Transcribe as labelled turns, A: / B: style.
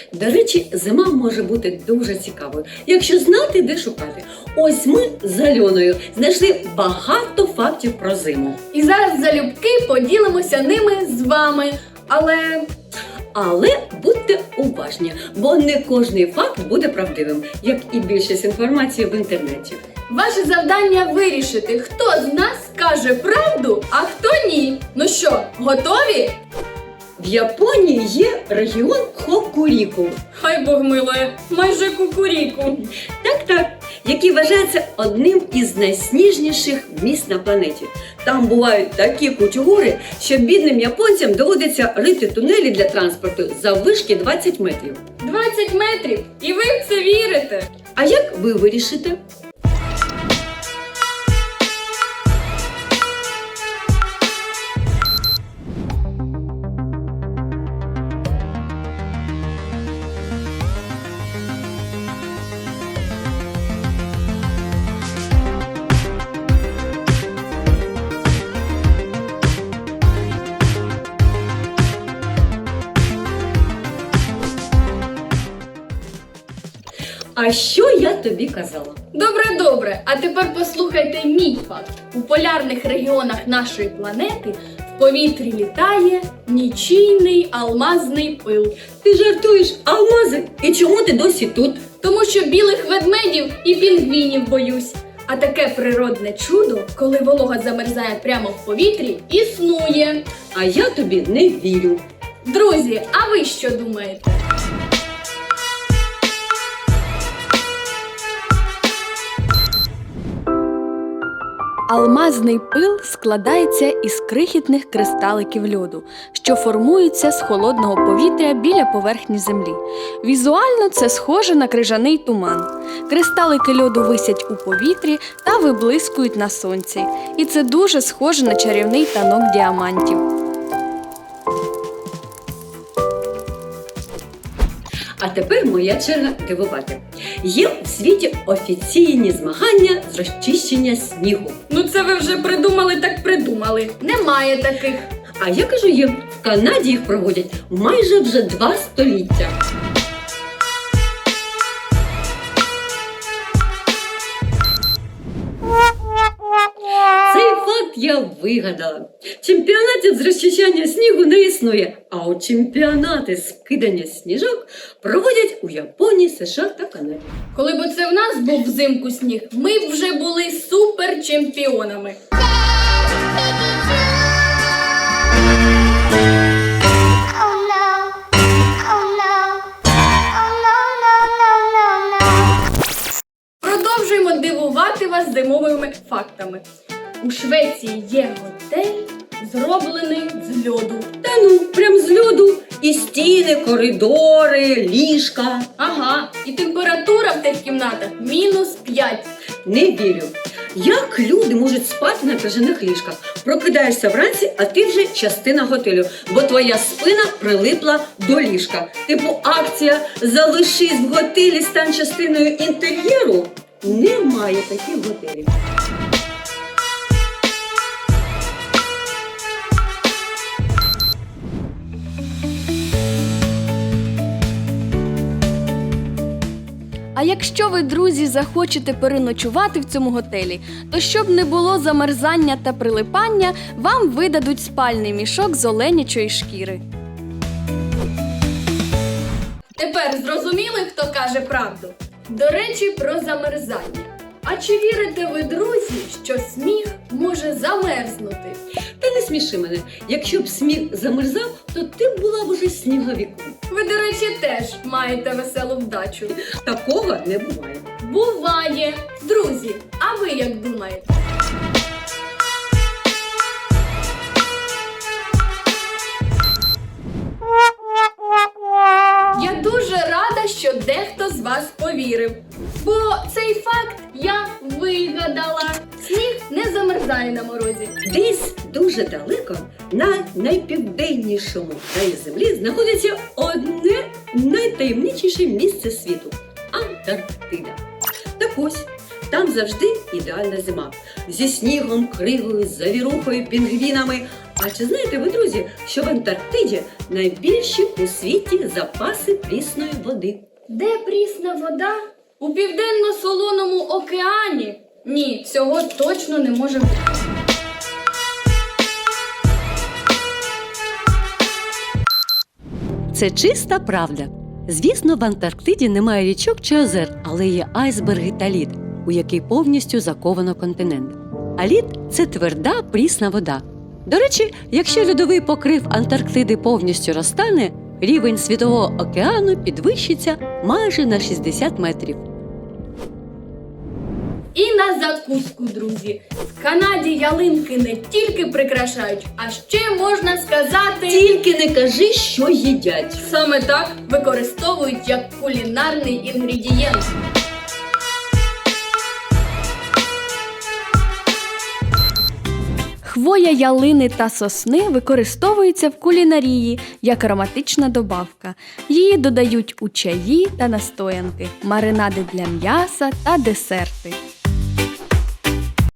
A: До речі, зима може бути дуже цікавою, якщо знати, де шукати. Ось ми з Альоною знайшли багато фактів про зиму.
B: І зараз залюбки поділимося ними з вами.
A: Але будьте уважні, бо не кожний факт буде правдивим, як і більшість інформації в інтернеті.
B: Ваше завдання вирішити, хто з нас каже правду, а хто ні. Ну що, готові?
A: В Японії є регіон Хокуріку.
B: Хай Бог милує, майже кукуріку.
A: Так, який вважається одним із найсніжніших міст на планеті. Там бувають такі кучугури, що бідним японцям доводиться рити тунелі для транспорту заввишки 20 метрів.
B: 20 метрів? І ви в це вірите?
A: А як ви вирішите? А що я тобі казала?
B: Добре. А тепер послухайте мій факт. У полярних регіонах нашої планети в повітрі літає нічийний алмазний пил.
A: Ти жартуєш, алмази? І чому ти досі тут?
B: Тому що білих ведмедів і пінгвінів боюсь. А таке природне чудо, коли волога замерзає прямо в повітрі, існує.
A: А я тобі не вірю.
B: Друзі, а ви що думаєте?
C: Алмазний пил складається із крихітних кристаликів льоду, що формуються з холодного повітря біля поверхні землі. Візуально це схоже на крижаний туман. Кристалики льоду висять у повітрі та виблискують на сонці. І це дуже схоже на чарівний танок діамантів.
A: А тепер моя черга дивувати. Є в світі офіційні змагання з розчищення снігу.
B: Ну це ви вже придумали. Немає таких.
A: А я кажу їм, в Канаді їх проводять майже вже 2 століття. Цей факт я вигадала. Чемпіонатів з розчищання снігу не існує, а от чемпіонати з кидання сніжок проводять у Японії, США та Канаді.
B: Коли б це в нас був взимку сніг, ми б вже були суперчемпіонами. Продовжуємо дивувати вас зимовими фактами. У Швеції є готель, зроблений з льоду.
A: Та ну, прям з льоду. І стіни, коридори, ліжка.
B: Ага, і температура в тих кімнатах -5.
A: Не вірю. Як люди можуть спати на крижаних ліжках? Прокидаєшся вранці, а ти вже частина готелю, бо твоя спина прилипла до ліжка. Типу акція «Залишись в готелі, стань частиною інтер'єру». Немає таких готелів.
C: А якщо ви, друзі, захочете переночувати в цьому готелі, то щоб не було замерзання та прилипання, вам видадуть спальний мішок з оленячої шкіри.
B: Тепер зрозуміли, хто каже правду? До речі, про замерзання. А чи вірите ви, друзі, що сніг може замерзнути?
A: Та не сміши мене. Якщо б сніг замерзав, то ти б була б уже сніговиком.
B: Ви, до речі, теж маєте веселу вдачу.
A: Такого не буває.
B: Буває! Друзі, а ви як думаєте? Я дуже рада, що дехто з вас повірив. Бо цей факт я вигадала. Сніг не замерзає на морозі.
A: Десь дуже далеко, на найпівденнішому краї землі, знаходиться одне найтаємничіше місце світу – Антарктида. Так ось, там завжди ідеальна зима. Зі снігом, кривою, завірухою, пінгвінами. А чи знаєте ви, друзі, що в Антарктиді найбільші у світі запаси прісної води?
B: Де прісна вода? У південно-солоному океані? Ні, цього точно не може бути.
D: Це чиста правда. Звісно, в Антарктиді немає річок чи озер, але є айсберги та лід, у який повністю заковано континент. А лід – це тверда, прісна вода. До речі, якщо льодовий покрив Антарктиди повністю розтане, рівень Світового океану підвищиться майже на 60 метрів.
B: І на закуску, друзі. В Канаді ялинки не тільки прикрашають, а ще, можна сказати,
A: Тільки не кажи, що їдять.
B: саме так використовують як кулінарний інгредієнт.
C: Хвоя ялини та сосни використовується в кулінарії як ароматична добавка. Її додають у чаї та настоянки, маринади для м'яса та десерти.